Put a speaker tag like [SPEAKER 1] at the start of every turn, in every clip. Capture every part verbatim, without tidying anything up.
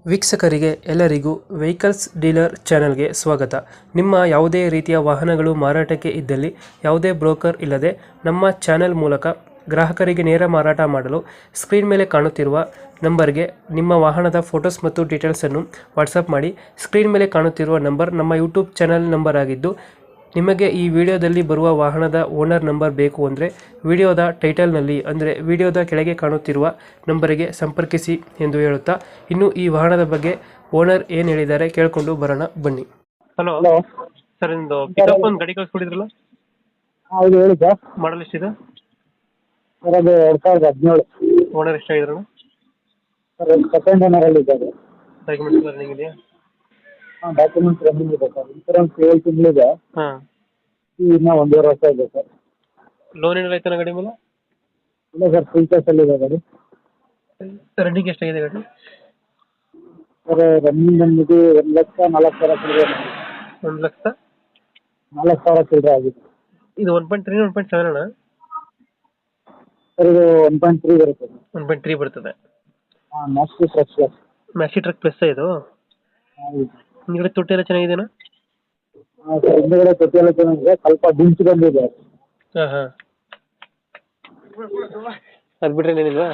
[SPEAKER 1] ವೀಕ್ಷಕರಿಗೆ ಎಲ್ಲರಿಗೂ vehicles dealer ಚಾನೆಲ್ಗೆ ಸ್ವಾಗತ. ನಿಮ್ಮ ಯಾವುದೇ ರೀತಿಯ ವಾಹನಗಳು ಮಾರಾಟಕ್ಕೆ ಇದ್ದಲ್ಲಿ ಯಾವುದೇ ಬ್ರೋಕರ್ ಇಲ್ಲದೆ ನಮ್ಮ ಚಾನೆಲ್ ಮೂಲಕ ಗ್ರಾಹಕರಿಗೆ ನೇರ ಮಾರಾಟ ಮಾಡಲು ಸ್ಕ್ರೀನ್ ಮೇಲೆ ಕಾಣುತ್ತಿರುವ ನಂಬರ್ಗೆ ನಿಮ್ಮ ವಾಹನದ ಫೋಟೋಸ್ ಮತ್ತು ಡೀಟೇಲ್ಸನ್ನು ವಾಟ್ಸಪ್ ಮಾಡಿ. ಸ್ಕ್ರೀನ್ ಮೇಲೆ ಕಾಣುತ್ತಿರುವ ನಂಬರ್ ನಮ್ಮ ಯೂಟ್ಯೂಬ್ ಚಾನೆಲ್ ನಂಬರ್ ಆಗಿದ್ದು, ನಿಮಗೆ ಈ ವಿಡಿಯೋದಲ್ಲಿ ಬರುವ ವಾಹನದ ಓನರ್ ನಂಬರ್ ಬೇಕು ಅಂದರೆ ವಿಡಿಯೋದ ಟೈಟಲ್ನಲ್ಲಿ ಅಂದರೆ ವಿಡಿಯೋದ ಕೆಳಗೆ ಕಾಣುತ್ತಿರುವ ನಂಬರಿಗೆ ಸಂಪರ್ಕಿಸಿ ಎಂದು ಹೇಳುತ್ತಾ, ಇನ್ನು ಈ ವಾಹನದ ಬಗ್ಗೆ ಓನರ್ ಏನು ಹೇಳಿದ್ದಾರೆ ಕೇಳಿಕೊಂಡು ಬರೋಣ ಬನ್ನಿ. ಹಲೋ
[SPEAKER 2] ಹಲೋ
[SPEAKER 1] ಸರ್, ನಿಮ್ಮದು ಪಿಕಪ್ ಒಂದು ಗಾಡಿ ಕಳಿಸ್ಕೊಡಿದ್ರಲ್ಲ,
[SPEAKER 2] ಹೌದು ಹೇಳಿ ಸರ್.
[SPEAKER 1] ಮಾಡಲ್ ಎಷ್ಟಿದೆ?
[SPEAKER 2] ಸರ್ ಅದು ಎರಡು ಸಾವಿರದ ಹದಿನೇಳು.
[SPEAKER 1] ಓನರ್ ಎಷ್ಟಾಗಿದ್ರು?
[SPEAKER 2] ಸರ್ ಸೆಕೆಂಡ್ ಓನರಲ್ಲಿ ಇದ್ದಾರೆ.
[SPEAKER 1] ಡಾಕ್ಯುಮೆಂಟ್ಸ್ ರನ್ನಿಂಗ್ ಇದೆಯಾ?
[SPEAKER 2] ಹಾಂ, ಡಾಕ್ಯುಮೆಂಟ್ಸ್ ರನ್ನಿಂಗ್ ಇದೆ ಸರ್. ಇನ್ಸೂರೆನ್ಸ್ ಏಳು ತಿಂಗಳಿದೆ.
[SPEAKER 1] ಹಾಂ.
[SPEAKER 2] ಇನ್ನೂ ಒಂದೂವರೆ ವರ್ಷ ಇದೆ ಸರ್.
[SPEAKER 1] ಲೋನ್ ಏನಾರ ಆಯ್ತಾನ ಗಾಡಿ ಮೇಲೆ?
[SPEAKER 2] ಇಲ್ಲ ಸರ್, ಫುಲ್ ಕ್ಯಾಶಲ್ಲಿ ಇದೆ ಗಾಡಿ.
[SPEAKER 1] ರನ್ನಿಂಗ್ ಎಷ್ಟಾಗಿದೆ ಗಾಡಿ?
[SPEAKER 2] ಸರ್ ರನ್ನಿಂಗ್ ಬಂದ್ಬಿಟ್ಟು ಒಂದು ಲಕ್ಷ ನಾಲ್ಕು ಸಾವಿರ ಚಿಲ್ಲರೆ
[SPEAKER 1] ಒಂದು ಲಕ್ಷ
[SPEAKER 2] ನಾಲ್ಕು ಸಾವಿರ ಚಿಲ್ಲರೆ ಆಗಿದೆ.
[SPEAKER 1] ಇದು one point three one point seven ಅಣ್ಣ?
[SPEAKER 2] ಸರ್ ಇದು ಒನ್ ಪಾಯಿಂಟ್ ತ್ರೀ ಬರುತ್ತೆ ಸರ್.
[SPEAKER 1] ಒನ್ ಪಾಯಿಂಟ್ ತ್ರೀ ಬರ್ತದೆ.
[SPEAKER 2] ಹಾಂ, maxi truck plus.
[SPEAKER 1] Maxi truck plus ಇದು?
[SPEAKER 2] ಹೌದು.
[SPEAKER 1] ಹಿಂದ್ಗಡೆ ತೊಟ್ಟಿ ಎಲ್ಲ ಚೆನ್ನಾಗಿದೆಯಾ?
[SPEAKER 2] ಹಾಂ ಸರ್, ಹಿಂದುಗಡೆ ತೊಟ್ಟಿ ಎಲ್ಲ ಚೆನ್ನಾಗಿದೆ, ಸ್ವಲ್ಪ ಡಿಂಚ್ ಬಂದಿದೆ.
[SPEAKER 1] ಹಾಂ ಹಾಂ. ಅದು ಬಿಟ್ರೆ ಏನಿಲ್ವಾ?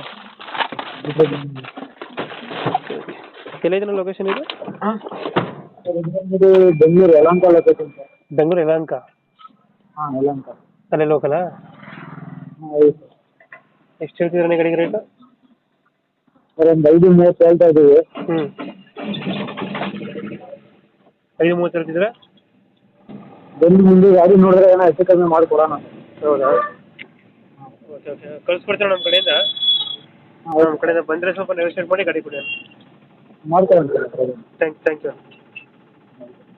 [SPEAKER 1] ಎಲ್ಲೈತೆ ಲೊಕೇಶನ್ ಇದು?
[SPEAKER 2] ಸರ್ ಇದು ಬಂದ್ಬಿಟ್ಟು ಬೆಂಗಳೂರು ಯಲಹಂಕ ಲೊಕೇಶನ್ ಸರ್.
[SPEAKER 1] ಬೆಂಗಳೂರು ಯಲಹಂಕ?
[SPEAKER 2] ಹಾಂ, ಯಲಹಂಕ.
[SPEAKER 1] ಅಲ್ಲೇ ಲೋಕಲಾ?
[SPEAKER 2] ಹಾಂ ಹೌದು ಸರ್.
[SPEAKER 1] ಎಷ್ಟು ಹೇಳ್ತಿದ್ರೆ ಗಾಡಿಗೆ ರೇಟು?
[SPEAKER 2] ಸರ್ ಒಂದು ಐದು ಮೂವತ್ತು ಹೇಳ್ತಾ ಇದ್ದೀವಿ.
[SPEAKER 1] ಹ್ಞೂ, ಐದು ಮೂವತ್ತು ಹೇಳ್ತಿದ್ರೆ
[SPEAKER 2] ಬಂದು ಮುಂದೆ ಗಾಡಿ ನೋಡಿದ್ರೆ ಏನೋ ಹೆಚ್ಚು ಕಮ್ಮಿ ಮಾಡಿಕೊಡೋಣ.
[SPEAKER 1] ಹೌದಾ? ಓಕೆ ಓಕೆ, ಕಳ್ಸ್ಕೊಡ್ತೀವಿ ನಮ್ಮ ಕಡೆಯಿಂದ.
[SPEAKER 2] ಹಾಂ,
[SPEAKER 1] ನಮ್ಮ ಕಡೆಯಿಂದ ಬಂದರೆ ಸ್ವಲ್ಪ ನೆಗೋಷಿಯೇಟ್ ಮಾಡಿ ಗಾಡಿ ಕೊಡಿ.
[SPEAKER 2] ಮಾಡ್ಕೊಡೋಣ ಸರ್.
[SPEAKER 1] Thank thank you.